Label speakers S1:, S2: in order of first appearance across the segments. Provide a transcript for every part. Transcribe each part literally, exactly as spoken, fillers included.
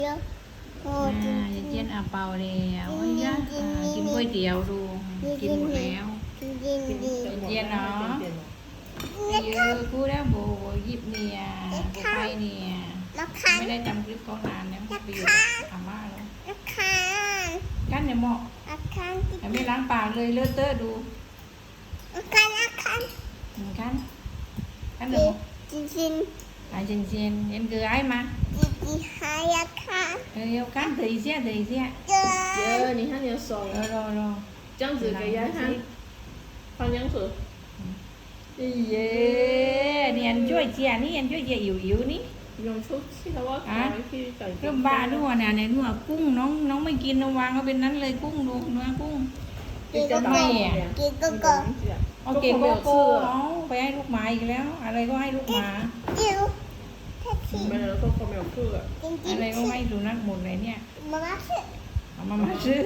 S1: อ่าเย็นอาเปาแล้วอ้ยะอ่ากินก๋วยเตี๋ยวดูกินหมดแล้วเย็นเนาะเยอะกูแล้วโบยิบเนี่ยโบไปเนี่ยไม่ได้จำคลิปเขานานแล้วไปอยู่อาม่าแล้วกันเนี่ยเหมาะแต่ไม่ล้างปากเลยเลอะเทอะดูกันกันกันเดี๋ยวจริงจริงอ่าจริงจริงเห็นคือไอ้มาเออ要看等一下等一下
S2: 耶，你看你的手，
S1: รอรอรอ
S2: 这样子给人家看，放香水。
S1: เย้เนี่ยช่วยเจียนี่ช่วยเจียอิ๋วอิ๋วนี่
S2: 用出去的话，可能去找一
S1: เริ่มบ้าด้วยเนี่ยในนัวกุ้งน้องน้องไม่กินน้องวางเขาเป็นนั้นเลยกุ้งดูเนื้อกุ้งไม่อ่ะโอเคโกโก้เอาไปให้ลูกหมาอีกแล้ว อะไรก็ให้ลูกหมา
S2: 没有说后面有这个。
S1: อะไรก็ให้สุนัขหมดเลยเนี่ยเอามามาซื้อ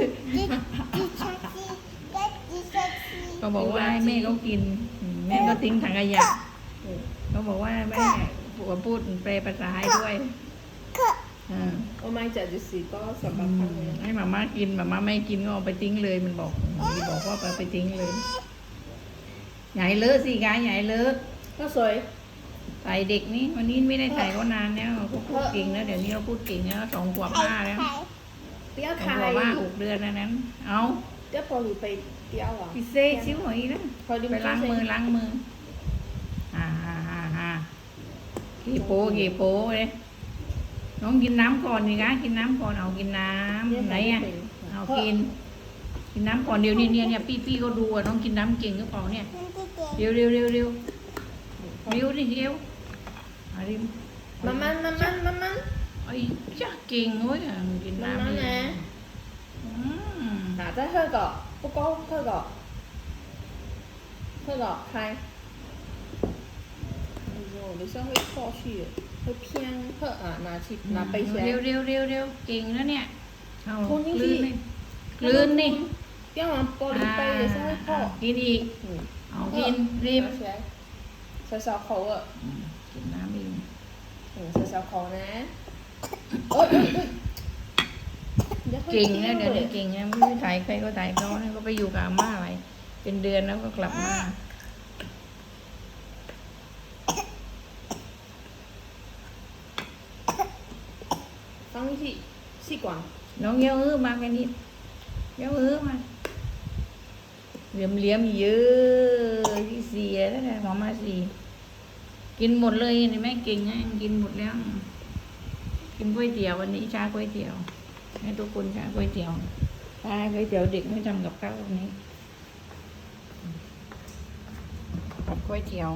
S1: ก็บอกว่าให้แม่เขากินแม่ก็ทิ้งถังขยะเขาบอกว่าแม่พูดพูดแปลภาษาให้ด้วย
S2: 我买只就是ก็สำหรับทางนี้
S1: ให้มาม่ากินมาม่าไม่กินก็เอาไปทิ้งเลยมันบอกมันบอกว่าไปทิ้งเลยใหญ่เลอะสิกายใหญ่เลอะ
S2: ก็สวย
S1: ใส่เด็กนี่วันนี้ไม่ได้ใส่ก็นานแล้วเขาพูดเก่งแล้วเดี๋ยวนี้เราพูดเก่งแล้วสองขวบห้าแล้ว
S2: 雕
S1: สองขวบห้าหกเดือนแล้วนั้นเอา
S2: 雕พอหรือไปเ雕อ่ะ
S1: พี่เซ่ชิวหน่อยนะไปล้างมือล้างมืออ่าฮ่าฮ่าฮ่ากี่โป้กี่โป้เลยน้องกินน้ำก่อนนี่คะกินน้ำก่อนเอากินน้ำไหนอ่ะเอากินกินน้ำก่อนเดี๋ยวนี้เนี่ยเนี่ยพี่พี่ก็ดูอ่ะน้องกินน้ำเก่งหรือเปล่าเนี่ยเร็วเร็วเร็วเร็วเร็วดิเร็วอะไร
S2: มันมันมันมันมันมัน
S1: ไอ้จ้าเก่งเว้ยกินน้ำ
S2: เลย啊，再喝个，不够喝个，喝个开。哎呦，等下会错去，会偏喝啊，拿去拿杯起来。
S1: เร็วเร็วเร็วเร็วเก่งแล้วเนี่ยเอากลืนนี่กลืนนี่
S2: 要往玻璃杯的时候会破。
S1: กินอีกเอากินรีบ
S2: 小小口啊。
S1: กินน้ำอีก
S2: 嗯，小小口呢。哦。
S1: เก่งนะเดี๋ยวนี้เก่งนะไม่ถ่ายใครก็ถ่ายเขาเนี่ยก็ไปอยู่กับอาม่าอะไรเป็นเดือนแล้วก็กลับมา
S2: 放进去吸管
S1: น้องเย้าอื้อมาแค่นี้เย้าอื้อมาเหลี่ยมเหลี่ยมเยอะที่เสียแล้วนะหมอมาสี่กินหมดเลยนี่แม่เก่งนะกินหมดแล้วกินก๋วยเตี๋ยววันนี้ชาก๋วยเตี๋ยวให้ทุกคนชาก๋วยเตี๋ยวชาก๋วยเตี๋ยวเด็กไม่ทำกับข้าววันนี้ก๋วยเตี๋ยว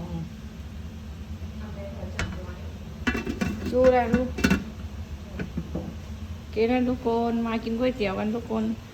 S1: สู้แล้วลูกกินนะทุกคนมากินก๋วยเตี๋ยวกันทุกคน